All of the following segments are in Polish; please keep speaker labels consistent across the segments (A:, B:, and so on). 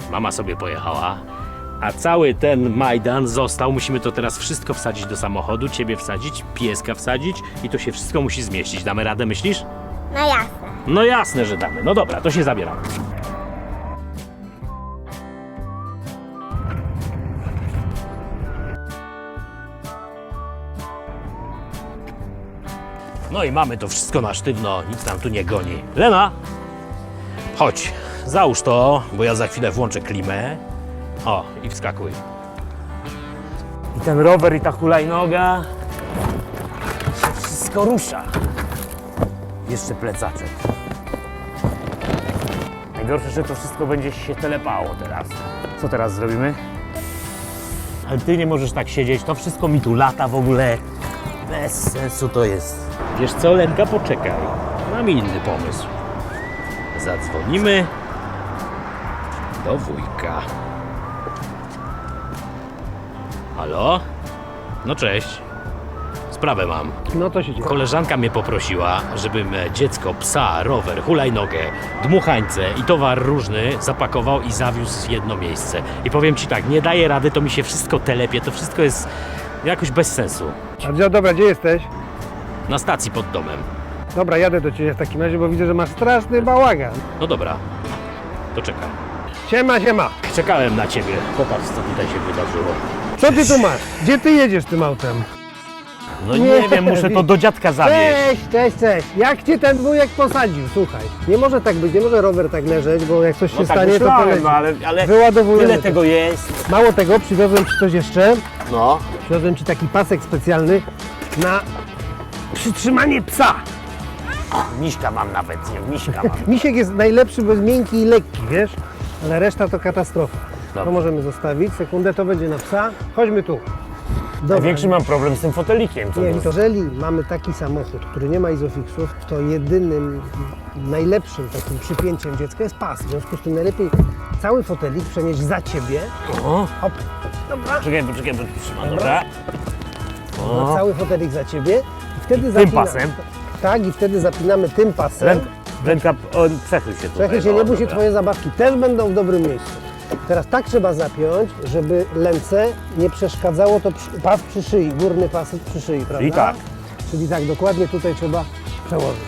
A: mama sobie pojechała, a cały ten Majdan został. Musimy to teraz wszystko wsadzić do samochodu, ciebie wsadzić, pieska wsadzić i to się wszystko musi zmieścić. Damy radę, myślisz?
B: No jasne.
A: No jasne, że damy. No dobra, to się zabieramy. No i mamy to wszystko na sztywno, nic nam tu nie goni. Lena, chodź, załóż to, bo ja za chwilę włączę klimę. O, i wskakuj. I ten rower i ta hulajnoga, się wszystko rusza. Jeszcze plecaczek. Najgorsze, że to wszystko będzie się telepało teraz. Co teraz zrobimy? Ale ty nie możesz tak siedzieć, to wszystko mi tu lata w ogóle. Bez sensu to jest. Wiesz co, Lenka, poczekaj. Mam inny pomysł. Zadzwonimy do wujka. Halo? No cześć. Sprawę mam.
C: No to się dzieje.
A: Koleżanka mnie poprosiła, żebym dziecko, psa, rower, hulajnogę, dmuchańce i towar różny zapakował i zawiózł w jedno miejsce. I powiem ci tak, nie daję rady, to mi się wszystko telepie, to wszystko jest jakoś bez sensu.
C: Dobra, gdzie jesteś?
A: Na stacji pod domem.
C: Dobra, jadę do Ciebie w takim razie, bo widzę, że masz straszny bałagan.
A: No dobra, to czekam.
C: Siema.
A: Czekałem na ciebie. Popatrz, co tutaj się wydarzyło.
C: Co Ty tu masz? Gdzie Ty jedziesz tym autem?
A: No nie wiem, muszę to do dziadka zawieźć.
C: Cześć. Jak Cię ten wujek posadził? Słuchaj, nie może tak być, nie może rower tak leżeć, bo jak coś się
A: No tak
C: stanie, to
A: myślałem,
C: poleci.
A: no ale
C: Wyładowujemy
A: tyle
C: to.
A: tego jest.
C: Mało tego, przywiozłem Ci coś jeszcze.
A: No.
C: Przywiozłem Ci taki pasek specjalny na przytrzymanie psa.
A: Miśka mam nawet, nie, miśka mam.
C: Misiek jest najlepszy, bo jest miękki i lekki, wiesz? Ale reszta to katastrofa.
A: Dobrze.
C: To możemy zostawić. Sekundę, to będzie na psa. Chodźmy tu. Dobra.
A: Największy mam problem z tym fotelikiem. Co
C: Nie,
A: to?
C: jeżeli mamy taki samochód, który nie ma izofixów, to jedynym, najlepszym takim przypięciem dziecka jest pas. W związku z tym najlepiej cały fotelik przenieść za Ciebie.
A: O,
C: Hop. Dobra.
A: czekaj, bo trzymam, dobra.
C: No, cały fotelik za Ciebie. I wtedy
A: Tym pasem?
C: Tak, i wtedy zapinamy tym pasem.
A: Ręka, przechyl się tutaj.
C: Przechyl się, nie bój się,
A: dobra.
C: Twoje zabawki też będą w dobrym miejscu. Teraz tak trzeba zapiąć, żeby lęce nie przeszkadzało to pas przy szyi, górny pas przy szyi, prawda?
A: Czyli tak.
C: Czyli tak, dokładnie tutaj trzeba przełożyć.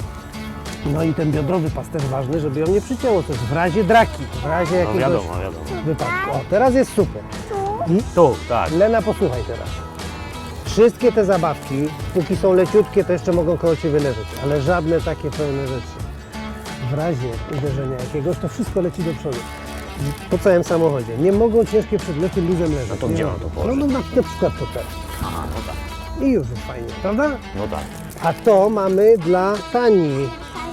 C: No i ten biodrowy pas też ważny, żeby ją nie przycięło coś w razie draki, w razie
A: No
C: jakiegoś
A: wiadomo.
C: wypadku. O, teraz jest super. I
A: Tu, tak.
C: Lena, posłuchaj teraz. Wszystkie te zabawki, póki są leciutkie, to jeszcze mogą koło Ciebie leżeć, ale żadne takie pełne rzeczy. W razie uderzenia jakiegoś, to wszystko leci do przodu. Po całym samochodzie. Nie mogą ciężkie przedmioty luzem leżeć.
A: No to
C: Nie
A: gdzie
C: mogą.
A: mam to położyć?
C: No na przykład to teraz.
A: Aha, no tak.
C: I już jest fajnie, prawda?
A: No tak.
C: A to mamy dla Tani.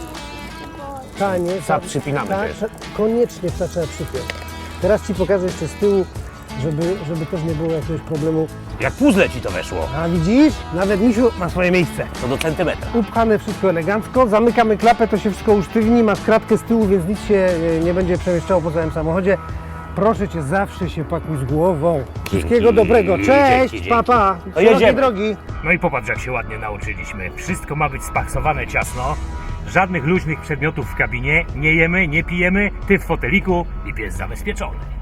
C: Tanie.
A: Psa przypinamy też.
C: Koniecznie psa trzeba przypiąć. Teraz Ci pokażę jeszcze z tyłu, żeby też nie było jakiegoś problemu.
A: Jak puzzle ci to weszło.
C: A widzisz? Nawet misiu ma swoje miejsce.
A: To do centymetra.
C: Upchane wszystko elegancko, zamykamy klapę, to się wszystko usztywni, masz kratkę z tyłu, więc nic się nie będzie przemieszczało po całym samochodzie. Proszę Cię, zawsze się pakuj z głową. Wszystkiego dobrego, cześć,
A: dzięki.
C: papa,
A: To jedziemy.
C: drogi.
A: No i popatrz, jak się ładnie nauczyliśmy. Wszystko ma być spaksowane ciasno. Żadnych luźnych przedmiotów w kabinie. Nie jemy, nie pijemy. Ty w foteliku i pies zabezpieczony.